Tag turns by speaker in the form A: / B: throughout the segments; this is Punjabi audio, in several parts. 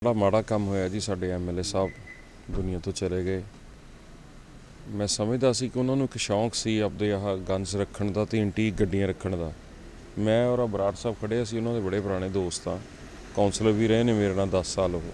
A: बड़ा माड़ा काम होया जी। साडे MLA साहब दुनिया तो चले गए। मैं समझदा सी कि उन्होंने एक शौक सी आपदे आह गन्स रखण दा ते एंटीक गड्डियां रखण दा। मैं और बराड़ साहब खड़े सी, उन्होंने बड़े पुराने दोस्त हाँ, काउंसलर भी रहे ने मेरे नाल 10 साल वो।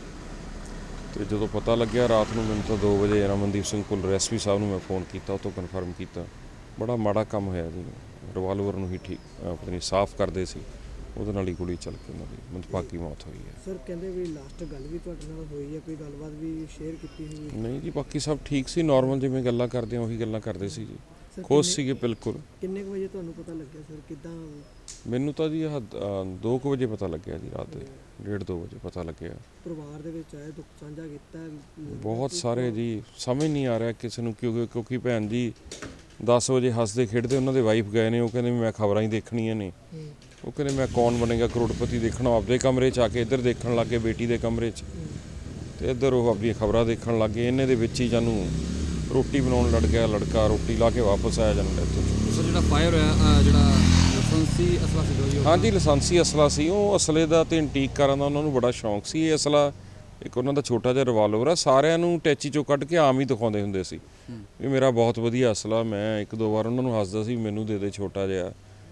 A: तो जो पता लग्या रात को मैंने तो 2 बजे रमनदीप सिंह पुल SP साहब ने मैं फोन किया, उतो कन्फर्म किया। बड़ा माड़ा काम होया जी। रिवाल्वर नूं ही ठीक पता नहीं साफ करते सी, ਉਹਦੇ ਨਾਲ ਹੀ ਗੋਲੀ ਚੱਲ ਕੇ ਉਹਨਾਂ ਦੀ ਮੰਦਭਾਗੀ ਮੌਤ ਹੋਈ ਹੈ।
B: ਸਰ ਕਹਿੰਦੇ ਵੀ ਲਾਸਟ ਗੱਲ ਵੀ ਤੁਹਾਡੇ ਨਾਲ ਹੋਈ ਹੈ, ਕੋਈ ਗੱਲਬਾਤ ਵੀ ਸ਼ੇਅਰ ਕੀਤੀ ਹੋਈ?
A: ਨਹੀਂ ਜੀ, ਬਾਕੀ ਸਭ ਠੀਕ ਸੀ, ਨਾਰਮਲ ਜਿਵੇਂ ਗੱਲਾਂ ਕਰਦੇ ਆ ਉਹੀ ਗੱਲਾਂ ਕਰਦੇ ਸੀ ਜੀ। ਖੁਸ਼ ਸੀਗੇ ਬਿਲਕੁਲ।
B: ਕਿੰਨੇ ਕੁ ਵਜੇ ਤੁਹਾਨੂੰ ਪਤਾ ਲੱਗਿਆ ਸਰ, ਕਿੱਦਾਂ?
A: ਮੈਨੂੰ ਤਾਂ ਜੀ 2 ਵਜੇ ਪਤਾ ਲੱਗਿਆ ਜੀ, ਰਾਤ ਦੇ 1:30-2 ਵਜੇ ਪਤਾ ਲੱਗਿਆ।
B: ਪਰਿਵਾਰ ਦੇ ਵਿੱਚ ਆਏ, ਦੁੱਖ ਸਾਂਝਾ ਕੀਤਾ
A: ਬਹੁਤ ਸਾਰੇ ਜੀ। ਸਮਝ ਨਹੀਂ ਆ ਰਿਹਾ ਕਿਸੇ ਨੂੰ, ਕਿਉਂਕਿ ਭੈਣ ਜੀ 10 ਵਜੇ ਹੱਸਦੇ ਖੇਡਦੇ ਉਹਨਾਂ ਦੇ ਵਾਈਫ ਗਏ ਨੇ, ਉਹ ਕਹਿੰਦੇ ਮੈਂ ਖਬਰਾਂ ਹੀ ਦੇਖਣੀਆਂ ਨੇ। ਉਹ ਕਹਿੰਦੇ ਮੈਂ ਕੌਣ ਬਣੇਗਾ ਕਰੋੜਪਤੀ ਦੇਖਣਾ, ਆਪਦੇ ਕਮਰੇ 'ਚ ਆ ਕੇ ਇੱਧਰ ਦੇਖਣ ਲੱਗ ਗਏ ਬੇਟੀ ਦੇ ਕਮਰੇ 'ਚ, ਤੇ ਇੱਧਰ ਉਹ ਆਪਣੀਆਂ ਖਬਰਾਂ ਦੇਖਣ ਲੱਗ ਗਏ। ਇਹਨੇ ਦੇ ਵਿੱਚ ਹੀ ਜਾਨੂੰ ਰੋਟੀ ਬਣਾਉਣ ਲੜ ਗਿਆ ਲੜਕਾ, ਰੋਟੀ ਲਾ ਕੇ ਵਾਪਸ ਆਇਆ ਜਾਂਦਾ ਇੱਥੋਂ।
C: ਸਰ ਜਿਹੜਾ ਫਾਇਰ ਹੋਇਆ, ਜਿਹੜਾ ਲਾਇਸੈਂਸੀ ਅਸਲਾ ਸੀ?
A: ਹਾਂਜੀ, ਲਾਇਸੈਂਸੀ ਅਸਲਾ ਸੀ। ਉਹ ਅਸਲੇ ਦਾ ਤੇ ਐਂਟੀਕ ਕਾਰਾਂ ਦਾ ਉਹਨਾਂ ਨੂੰ ਬੜਾ ਸ਼ੌਂਕ ਸੀ। ਇਹ ਅਸਲਾ ਇੱਕ ਉਹਨਾਂ ਦਾ ਛੋਟਾ ਜਿਹਾ ਰਿਵਾਲਵਰ ਆ, ਸਾਰਿਆਂ ਨੂੰ ਟੈਚੀ ਚੋਂ ਕੱਢ ਕੇ ਆਮ ਹੀ ਦਿਖਾਉਂਦੇ ਹੁੰਦੇ ਸੀ ਵੀ ਮੇਰਾ ਬਹੁਤ ਵਧੀਆ ਅਸਲਾ। ਮੈਂ 1-2 ਵਾਰ ਉਹਨਾਂ ਨੂੰ ਹੱਸਦਾ ਸੀ ਮੈਨੂੰ ਦੇ ਛੋਟਾ ਜਿਹਾ,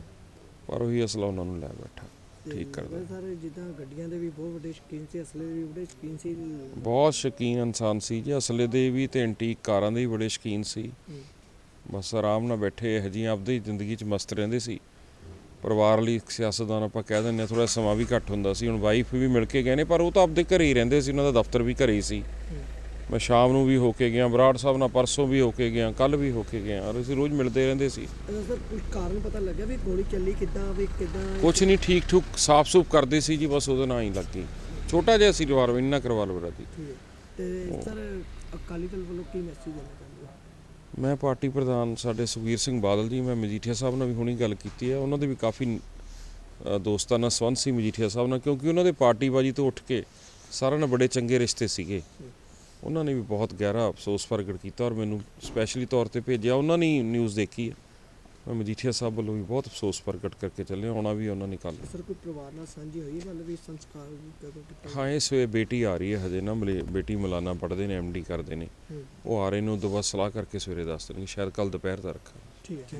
A: ਪਰ ਉਹੀ ਅਸਲਾ ਉਹਨਾਂ ਨੂੰ ਲੈ ਬੈਠਾ ਠੀਕ ਕਰਦਾ।
B: ਸਰ ਜਿੱਦਾਂ ਗੱਡੀਆਂ ਦੇ ਵੀ ਬਹੁਤ ਵੱਡੇ ਸ਼ੌਕੀਨ ਸੀ, ਅਸਲੇ ਦੇ ਵੀ ਬੜੇ ਸ਼ੌਕੀਨ ਸੀ।
A: ਬਹੁਤ ਸ਼ੌਕੀਨ ਇਨਸਾਨ ਸੀ ਜੀ, ਅਸਲੇ ਦੇ ਵੀ ਤੇ ਐਂਟੀਕ ਕਾਰਾਂ ਦੇ ਵੀ ਬੜੇ ਸ਼ੌਕੀਨ ਸੀ। ਬਸ ਆਰਾਮ ਨਾਲ ਬੈਠੇ ਇਹੋ ਜਿਹੀਆਂ ਆਪਦੀ ਜ਼ਿੰਦਗੀ 'ਚ ਮਸਤ ਰਹਿੰਦੇ ਸੀ। ਪਰਿਵਾਰ ਲਈ ਸਿਆਸਤਦਾਨ ਆਪਾਂ ਕਹਿ ਦਿੰਦੇ ਹਾਂ, ਥੋੜ੍ਹਾ ਸਮਾਂ ਵੀ ਘੱਟ ਹੁੰਦਾ ਸੀ। ਹੁਣ ਵਾਈਫ ਵੀ ਮਿਲ ਕੇ ਗਏ ਨੇ, ਪਰ ਉਹ ਤਾਂ ਆਪਦੇ ਘਰੇ ਹੀ ਰਹਿੰਦੇ ਸੀ, ਉਹਨਾਂ ਦਾ ਦਫ਼ਤਰ ਵੀ ਘਰੇ ਹੀ ਸੀ। ਮੈਂ ਸ਼ਾਮ ਨੂੰ ਵੀ ਹੋ ਕੇ ਗਿਆ, ਬਰਾੜ ਸਾਹਿਬ ਨਾਲ ਪਰਸੋਂ ਵੀ ਹੋ ਕੇ ਗਿਆ, ਕੱਲ੍ਹ ਵੀ ਹੋ ਕੇ ਗਿਆ, ਔਰ ਅਸੀਂ ਰੋਜ਼ ਮਿਲਦੇ ਰਹਿੰਦੇ ਸੀ।
B: ਸਰ ਕੁਝ ਕਾਰਨ ਪਤਾ ਲੱਗਿਆ ਵੀ ਗੋਲੀ ਚੱਲੀ ਕਿੱਦਾਂ, ਵੀ ਕਿੱਦਾਂ?
A: ਕੁਛ ਨਹੀਂ, ਠੀਕ ਠੂਕ ਸਾਫ਼ ਸੂਫ ਕਰਦੇ ਸੀ ਜੀ, ਬਸ ਉਹਦੇ ਨਾਲ ਹੀ ਲੱਗ ਗਈ। ਛੋਟਾ ਜਿਹਾ ਸੀ ਰਿਵਾਲਵਰ, ਇੰਨਾ ਰਿਵਾਲਵਰ ਜੀ।
B: ਤੇ ਸਰ ਅਕਾਲੀ ਦਲ ਵੱਲੋਂ ਕੀ ਮੈਸੇਜ ਦੇਣਾ ਚਾਹੁੰਦੇ ਹੋ?
A: ਮੈਂ ਪਾਰਟੀ ਪ੍ਰਧਾਨ ਸਾਡੇ ਸੁਖਬੀਰ ਸਿੰਘ ਬਾਦਲ ਜੀ, ਮੈਂ ਮਜੀਠੀਆ ਸਾਹਿਬ ਨਾਲ ਵੀ ਹੁਣੀ ਗੱਲ ਕੀਤੀ ਹੈ। ਉਹਨਾਂ ਦੇ ਵੀ ਕਾਫੀ ਦੋਸਤਾਨਾ ਸੰਬੰਧ ਸੀ ਮਜੀਠੀਆ ਸਾਹਿਬ ਨਾਲ, ਕਿਉਂਕਿ ਉਹਨਾਂ ਦੇ ਪਾਰਟੀਬਾਜੀ ਤੋਂ ਉੱਠ ਕੇ ਸਾਰਿਆਂ ਨਾਲ ਬੜੇ ਚੰਗੇ ਰਿਸ਼ਤੇ ਸੀਗੇ। ਉਹਨਾਂ ਨੇ ਵੀ ਬਹੁਤ ਗਹਿਰਾ ਅਫਸੋਸ ਪ੍ਰਗਟ ਕੀਤਾ ਔਰ ਮੈਨੂੰ ਸਪੈਸ਼ਲੀ ਤੌਰ 'ਤੇ ਭੇਜਿਆ। ਉਹਨਾਂ ਨੇ ਨਿਊਜ਼ ਦੇਖੀ ਹੈ। ਮੈਂ ਮਜੀਠੀਆ ਸਾਹਿਬ ਵੱਲੋਂ ਵੀ ਬਹੁਤ ਅਫਸੋਸ ਪ੍ਰਗਟ ਕਰਕੇ ਚੱਲਿਆ, ਆਉਣਾ ਵੀ ਉਹਨਾਂ ਨੇ ਕੱਲ੍ਹ।
B: ਸਰ ਕੋਈ ਪਰਿਵਾਰ ਨਾਲ ਸਾਂਝੀ ਹੋਈ ਹੈ, ਮਤਲਬ ਵੀ ਸੰਸਕਾਰ ਕਦੋਂ ਕੀਤਾ?
A: ਹਾਂ, ਇਸ ਵੇਲੇ ਬੇਟੀ ਆ ਰਹੀ ਹੈ, ਹਜੇ ਨਾ ਬੇਟੀ ਮੌਲਾਨਾ ਪੜ੍ਹਦੇ ਨੇ, MD ਕਰਦੇ ਨੇ। ਉਹ ਆ ਰਹੇ ਨੇ, ਉਦੋਂ ਬਾਅਦ ਸਲਾਹ ਕਰਕੇ ਸਵੇਰੇ ਦੱਸ ਦੇਣਗੇ, ਸ਼ਾਇਦ ਕੱਲ੍ਹ ਦੁਪਹਿਰ ਦਾ ਰੱਖਾਂ।
B: ਠੀਕ ਹੈ।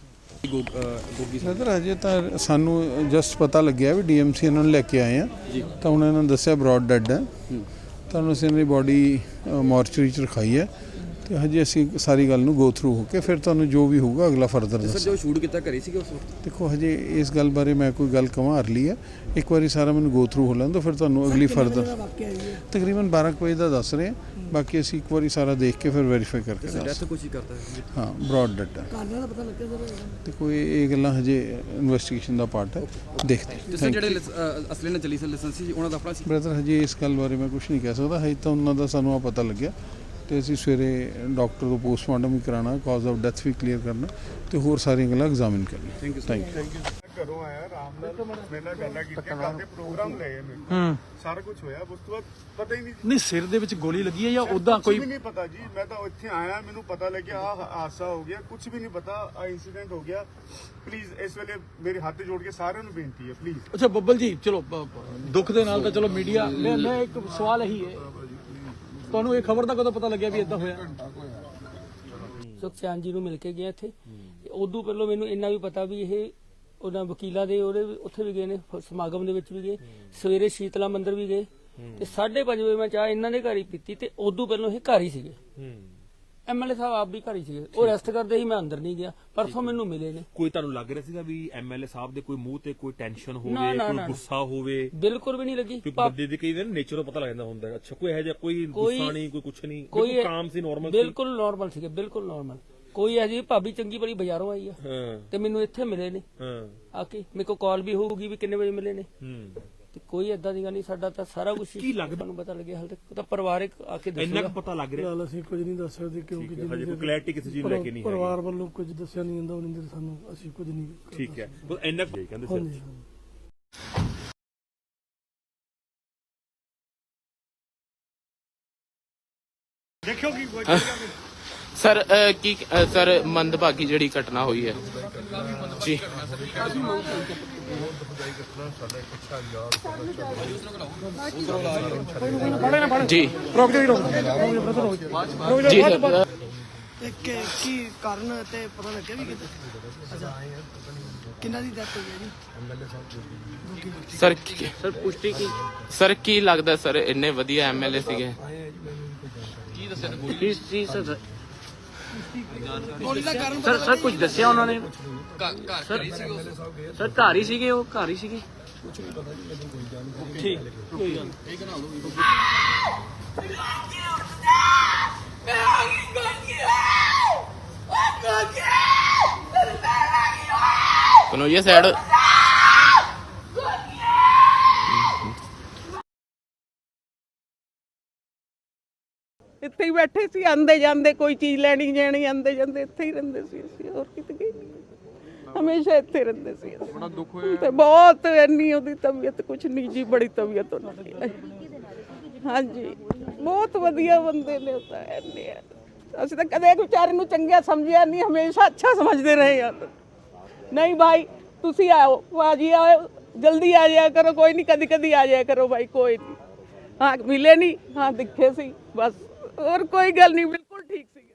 D: ਸਰ ਅਜੇ ਤਾਂ ਸਾਨੂੰ ਜਸਟ ਪਤਾ ਲੱਗਿਆ ਵੀ DMC ਇਹਨਾਂ ਨੂੰ ਲੈ ਕੇ ਆਏ ਆ, ਤਾਂ ਉਹਨਾਂ ਨੇ ਦੱਸਿਆ ਬਰੌਡ ਡੈਡ ਹੈ। ਤੁਹਾਨੂੰ ਅਸੀਂ ਇਹਨਾਂ ਦੀ ਬੋਡੀ ਮੋਰਚਰੀ 'ਚ ਰਖਾਈ ਹੈ, ਤੇ ਹਜੇ ਅਸੀਂ ਸਾਰੀ ਗੱਲ ਨੂੰ ਗੋ ਥਰੂ ਹੋ ਕੇ ਫਿਰ ਤੁਹਾਨੂੰ ਜੋ ਵੀ ਹੋਊਗਾ ਅਗਲਾ ਫਰਦਰ ਦੱਸਾਂ।
C: ਸਰ ਜੋ ਸ਼ੂਟ ਕੀਤਾ ਘਰੇ ਸੀਗੇ ਉਸ ਵਕਤ?
D: ਦੇਖੋ ਹਜੇ ਇਸ ਗੱਲ ਬਾਰੇ ਮੈਂ ਕੋਈ ਗੱਲ ਕਵਾਂ ਅਰਲੀ ਹੈ, ਇੱਕ ਵਾਰੀ ਸਾਰਾ ਮੈਨੂੰ ਗੋ ਥਰੂ ਹੋ ਲੈਣ ਦਿਓ, ਫਿਰ ਤੁਹਾਨੂੰ ਅਗਲੀ ਫਰਦਰ। ਤਕਰੀਬਨ 12 ਵਜੇ ਦਾ ਦੱਸ ਰਹੇ ਹਾਂ, ਬਾਕੀ ਅਸੀਂ ਇੱਕ ਵਾਰੀ ਸਾਰਾ ਦੇਖ ਕੇ ਫਿਰ ਵੈਰੀਫਾਈ ਕਰਕੇ
C: ਡੈਥ ਕੁਛ ਹੀ ਕਰਦਾ ਹੈ?
D: ਹਾਂ, ਬਰੌਡ ਡੈਡ ਹੈ।
B: ਕਾਰਨਾਂ ਦਾ ਪਤਾ ਲੱਗਿਆ ਸਰ?
D: ਤੇ ਕੋਈ ਇਹ ਗੱਲਾਂ ਹਜੇ ਇਨਵੈਸਟੀਗੇਸ਼ਨ ਦਾ ਪਾਰਟ ਹੈ, ਦੇਖਦੇ ਹਾਂ।
C: ਸਰ ਜਿਹੜੇ ਅਸਲੇ ਨਾਲ ਚੱਲੀ ਸਰ ਲਾਇਸੈਂਸੀ ਸੀ, ਉਹਨਾਂ ਦਾ ਆਪਣਾ ਸੀ?
D: ਬ੍ਰਦਰ ਹਜੇ ਇਸ ਗੱਲ ਬਾਰੇ ਮੈਂ ਕੁਝ ਨਹੀਂ ਕਹਿ ਸਕਦਾ, ਹਜੇ ਤਾਂ ਉਹਨਾਂ ਦਾ ਸਾਨੂੰ ਆ ਪਤਾ ਲੱਗਿਆ, ਤੇ ਅਸੀਂ ਸਵੇਰੇ ਡਾਕਟਰ ਤੋਂ ਪੋਸਟਮਾਰਟਮ ਵੀ ਕਰਾਉਣਾ, ਕਾਜ਼ ਆਫ ਡੈਥ ਵੀ ਕਲੀਅਰ ਕਰਨਾ, ਤੇ ਹੋਰ ਸਾਰੀਆਂ ਗੱਲਾਂ ਐਗਜ਼ਾਮਿਨ ਕਰਨੀਆਂ। Thank you.
E: ਘਰੋਂ ਆਇਆ ਆਰਾਮ ਨਾਲ, ਮੇਰੇ ਨਾਲ ਗੱਲਾਂ ਕੀਤੀਆਂ, ਘਰ ਦੇ ਪ੍ਰੋਗਰਾਮ ਲਏ ਮੈਂ, ਸਾਰਾ ਕੁਝ ਹੋਇਆ। ਉਸ ਤੋਂ ਬਾਅਦ ਪਤਾ ਹੀ ਨਹੀਂ
F: ਸਿਰ ਦੇ ਵਿੱਚ ਗੋਲੀ ਲੱਗੀ ਹੈ ਜਾਂ ਉਦਾਂ ਕੋਈ?
E: ਕੁਝ ਵੀ ਨਹੀਂ ਪਤਾ ਜੀ। ਮੈਂ ਤਾਂ ਇੱਥੇ ਆਇਆ, ਮੈਨੂੰ ਪਤਾ ਲੱਗਿਆ ਆ ਹਾਦਸਾ ਹੋ ਗਿਆ, ਕੁਝ ਵੀ ਨਹੀਂ ਪਤਾ ਆ ਇਨਸੀਡੈਂਟ ਹੋ ਗਿਆ। ਪਲੀਜ਼ ਇਸ ਵੇਲੇ ਮੇਰੇ ਹੱਥ ਜੋੜ ਕੇ ਸਾਰਿਆਂ ਨੂੰ ਬੇਨਤੀ ਹੈ, ਪਲੀਜ਼।
F: ਅੱਛਾ ਬੱਬਲ ਜੀ, ਚਲੋ ਦੁੱਖ ਦੇ ਨਾਲ ਤਾਂ ਚਲੋ ਮੀਡੀਆ, ਮੈਂ ਇੱਕ ਸਵਾਲ ਇਹੀ ਹੈ, ਤੁਹਾਨੂੰ ਇਹ ਖਬਰ ਦਾ ਕਦੋਂ ਪਤਾ ਲੱਗਿਆ ਵੀ ਇਦਾਂ ਹੋਇਆ?
G: ਸੁਖਚੈਨ ਜੀ ਨੂੰ ਮਿਲ ਕੇ ਗਏ ਇੱਥੇ। ਉਦੋਂ ਪਹਿਲਾਂ ਮੈਨੂੰ ਇੰਨਾ ਵੀ ਪਤਾ ਵੀ ਇਹ ਉਹਨਾਂ ਵਕੀਲਾਂ ਦੇ ਉਹਦੇ ਉੱਥੇ ਵੀ ਗਏ ਨੇ, ਸਮਾਗਮ ਦੇ ਵਿੱਚ ਵੀ ਗਏ, ਸਵੇਰੇ ਸ਼ੀਤਲਾ ਮੰਦਿਰ ਵੀ ਗਏ, ਤੇ 5:30 ਵਜੇ ਮੈਂ ਚਾਹ ਇਹਨਾਂ ਦੇ ਘਰ ਹੀ ਪੀਤੀ, ਤੇ ਉਦੋਂ ਪਹਿਲਾਂ ਇਹ ਘਰ ਹੀ ਸੀਗੇ। MLA ਸਾਹਿਬ ਆਪ ਵੀ ਘਰ ਹੀ ਸੀਗੇ, ਉਹ ਰੈਸਟ ਕਰਦੇ ਸੀ, ਮੈਂ ਅੰਦਰ ਨਹੀਂ ਗਿਆ। ਪਰਸੋਂ ਮੈਨੂੰ ਮਿਲੇ ਨੇ।
H: ਕੋਈ ਤੁਹਾਨੂੰ ਲੱਗ ਰਿਹਾ ਸੀਗਾ ਵੀ MLA ਸਾਹਿਬ ਦੇ ਕੋਈ ਮੂੰਹ ਤੇ ਕੋਈ ਟੈਨਸ਼ਨ ਹੋਵੇ, ਕੋਈ ਗੁੱਸਾ ਹੋਵੇ?
G: ਬਿਲਕੁਲ ਵੀ ਨਹੀਂ ਲੱਗੀ।
H: ਕਿਉਂਕਿ ਬੰਦੇ ਦੇ ਕਈ ਦਿਨ ਨੇਚਰ ਤੋਂ ਪਤਾ ਲੱਗ ਜਾਂਦਾ ਹੁੰਦਾ। ਅੱਛਾ, ਕੋਈ ਇਹੋ ਜਿਹਾ ਕੋਈ ਗੁੱਸਾ ਨਹੀਂ, ਕੋਈ ਕੁਛ ਨਹੀਂ, ਕੋਈ ਕਾਮ ਸੀ, ਨਾਰਮਲ ਸੀ?
G: ਬਿਲਕੁਲ ਨਾਰਮਲ ਸੀਗੇ, ਬਿਲਕੁਲ ਨਾਰਮਲ। ਕੋਈ ਇਹੋ ਜਿਹੀ ਭਾਬੀ ਚੰਗੀ ਬੜੀ ਬਾਜ਼ਾਰੋਂ ਆਈ ਆ, ਤੇ ਮੈਨੂੰ ਇੱਥੇ ਮਿਲੇ ਨੇ ਆ ਕੇ। ਮੇਰੇ ਕੋਲ ਕਾਲ ਵੀ ਹੋਊਗੀ ਵੀ ਕਿੰਨੇ ਵਜੇ ਮਿਲੇ ਨੇ, ਤੇ ਕੋਈ ਏਦਾਂ ਦੀ ਗੱਲ ਨਹੀਂ। ਸਾਡਾ ਤਾਂ ਸਾਰਾ ਕੁਝ
H: ਕੀ ਲੱਗਦਾ
G: ਤੁਹਾਨੂੰ ਪਤਾ ਲੱਗਿਆ, ਹਾਲੇ ਤੱਕ ਤਾਂ ਪਰਿਵਾਰਕ ਆ ਕੇ ਦੱਸੂਗਾ।
H: ਇੰਨਾ ਕੁ ਪਤਾ ਲੱਗ ਰਿਹਾ?
B: ਅਸੀਂ ਕੁਝ ਨਹੀਂ ਦੱਸ ਸਕਦੇ, ਕਿਉਂਕਿ
H: ਹਜੇ ਕੋਈ ਕਲੈਰਿਟੀ ਕਿਸੇ ਚੀਜ਼ ਲੈ ਕੇ ਨਹੀਂ ਹੈ।
B: ਪਰਿਵਾਰ ਵੱਲੋਂ ਕੁਝ ਦੱਸਿਆ ਨਹੀਂ ਜਾਂਦਾ, ਉਹਨਾਂ ਦੇ ਸਾਨੂੰ ਅਸੀਂ ਕੁਝ ਨਹੀਂ।
H: ਠੀਕ ਹੈ, ਬਸ ਇੰਨਾ ਕਹਿੰਦੇ ਸਰ।
E: ਦੇਖਿਓ ਕੀ
I: ਸਰ ਕੀ ਸਰ ਮੰਦਭਾਗੀ ਜਿਹੜੀ ਘਟਨਾ ਹੋਈ ਹੈ ਜੀ ਜੀ ਜੀ ਸਰ
B: ਤੇ ਕੀ ਕਾਰਨ ਤੇ ਪਤਾ ਲੱਗਿਆ ਵੀ ਕਿਤੇ ਅੱਛਾ ਕਿੰਨਾ ਦੀ ਡੈਥ ਹੋਈ ਹੈ ਜੀ
I: ਸਰ ਪੁਸ਼ਟੀ ਕੀ ਸਰ ਕੀ ਲੱਗਦਾ ਸਰ ਇੰਨੇ ਵਧੀਆ ਐਮਐਲਏ ਸੀਗੇ
B: ਗੋਲੀ ਦਾ ਕਾਰਨ
F: ਸਰ ਕੁਝ ਦੱਸਿਆ ਉਹਨਾਂ ਨੇ ਸਰ ਘਰ ਹੀ ਸੀਗੇ ਉਹ ਘਰ ਹੀ ਸੀਗੇ ਠੀਕ ਕੋਈ ਗੱਲ
I: ਸੁਣੋ ਇਹ ਸਾਈਡ
J: ਇੱਥੇ ਹੀ ਬੈਠੇ ਸੀ ਆਂਦੇ ਜਾਂਦੇ ਕੋਈ ਚੀਜ਼ ਲੈਣੀ ਜਾਣੀ ਆਂਦੇ ਜਾਂਦੇ ਇੱਥੇ ਹੀ ਰਹਿੰਦੇ ਸੀ ਅਸੀਂ ਹੋਰ ਕਿਤੇ ਗਏ ਨਹੀਂ ਹਮੇਸ਼ਾ ਇੱਥੇ ਰਹਿੰਦੇ ਸੀ ਅਸੀਂ।
C: ਬੜਾ ਦੁੱਖ ਹੋਇਆ
J: ਤੇ ਬਹੁਤ ਇੰਨੀ ਉਹਦੀ ਤਬੀਅਤ ਕੁਛ ਨਹੀਂ ਜੀ ਬੜੀ ਤਬੀਅਤ ਉਹਦੀ ਹਾਂਜੀ ਬਹੁਤ ਵਧੀਆ ਬੰਦੇ ਨੇ ਉਹ ਤਾਂ ਇੰਨੇ ਅਸੀਂ ਤਾਂ ਕਦੇ ਵਿਚਾਰੇ ਨੂੰ ਚੰਗਿਆ ਸਮਝਿਆ ਨਹੀਂ ਹਮੇਸ਼ਾ ਅੱਛਾ ਸਮਝਦੇ ਰਹੇ ਹਾਂ ਨਹੀਂ ਭਾਈ ਤੁਸੀਂ ਆਓ ਭਾਜੀ ਆਓ ਜਲਦੀ ਆ ਜਾਇਆ ਕਰੋ ਕੋਈ ਨਹੀਂ ਕਦੀ ਕਦੀ ਆ ਜਾਇਆ ਕਰੋ ਭਾਈ ਕੋਈ ਨਹੀਂ हाँ मिले नहीं हाँ दिखे सी बस और कोई गल नहीं।